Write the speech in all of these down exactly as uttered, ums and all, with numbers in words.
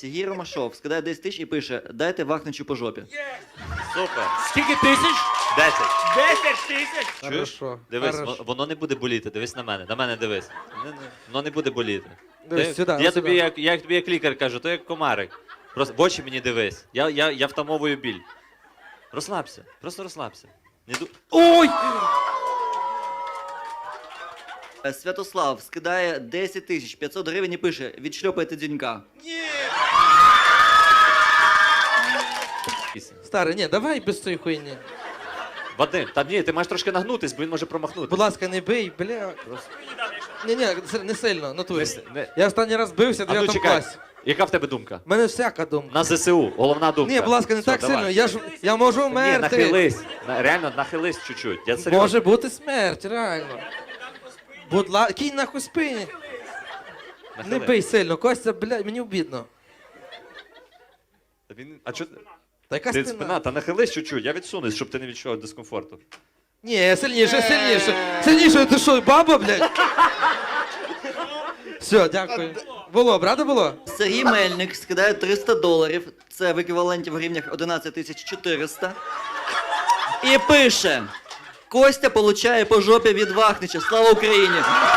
Сергій Ромашов скидає десять тисяч і пише: дайте Вахничу по жопі. Супер. Скільки тисяч? Десять. Десять тисяч! Чуєш? Хорошо. Дивись, Хорошо. во- воно не буде боліти. Дивись на мене. На мене дивись. Не- не- Воно не буде боліти. Дивись, Ти- сюди, я сюди. тобі, як, я тобі як лікар кажу, то як комарик. Просто в очі мені дивись. Я, я, я втамовую біль. Розслабся. Просто розслабся. Не ду... Ой! Е, Святослав скидає десять тисяч п'ятсот гривень і пише: відшльопайте дзюнька. Старий, ні, давай без цієї хуйні. Вадим, та ні, ти маєш трошки нагнутись, бо він може промахнутися. Будь ласка, не бий, бля. Ні, ні, не сильно, натурі. Не с- не- Я останній раз бився в А ну дев'ятому чекай, класі. яка в тебе думка? У мене всяка думка. На ЗСУ, головна думка. Ні, будь ласка, не Все, так давай. сильно. Я ж я можу Ні, вмерти. нахились. На- Реально, нахились чуть-чуть. Я серйозно. Може бути смерть, реально. Будь ласка, кінь нахуй спині. Не Нахили. бий сильно, Костя, блядь, мені обідно. Та він- А чо... Та яка Ти спина? спина, та нахились чуть-чуть, я відсунусь, щоб ти не відчував дискомфорту. Ні, сильніше, сильніше. Сильніше, ти що, баба, блядь? Все, дякую. Було, правда було? Сергій Мельник скидає триста доларів, це в еквіваленті в гривнях одинадцять тисяч чотириста. І пише: Костя получає по жопі від Вахнича. Слава Україні!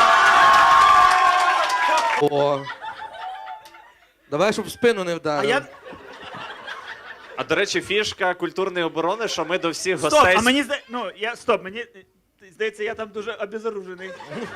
О. Давай, щоб в спину не А вдарив. я... А до речі, фішка культурної оборони, що ми до всіх Стоп, гостей. а мені зда... Ну, я... Стоп, мені... е, Здається, я там дуже обезоружений.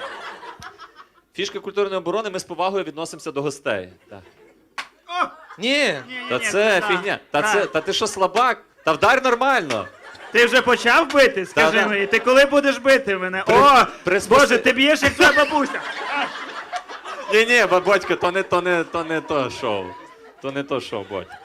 Фішка культурної оборони, ми з повагою відносимося до гостей. Так. Ні. Ні-ні-ні, Та це на, фігня. Та на. це, та ти що, слабак? Та вдар нормально. Ти вже почав бити? Скажи Та-да. мені, ти коли будеш бити мене? При- О, приспособ- Боже, ти б'єш, як твоя бабуся. Ні, ні, бабочка, то не то не то не то шоу. То не то шоу, бодь.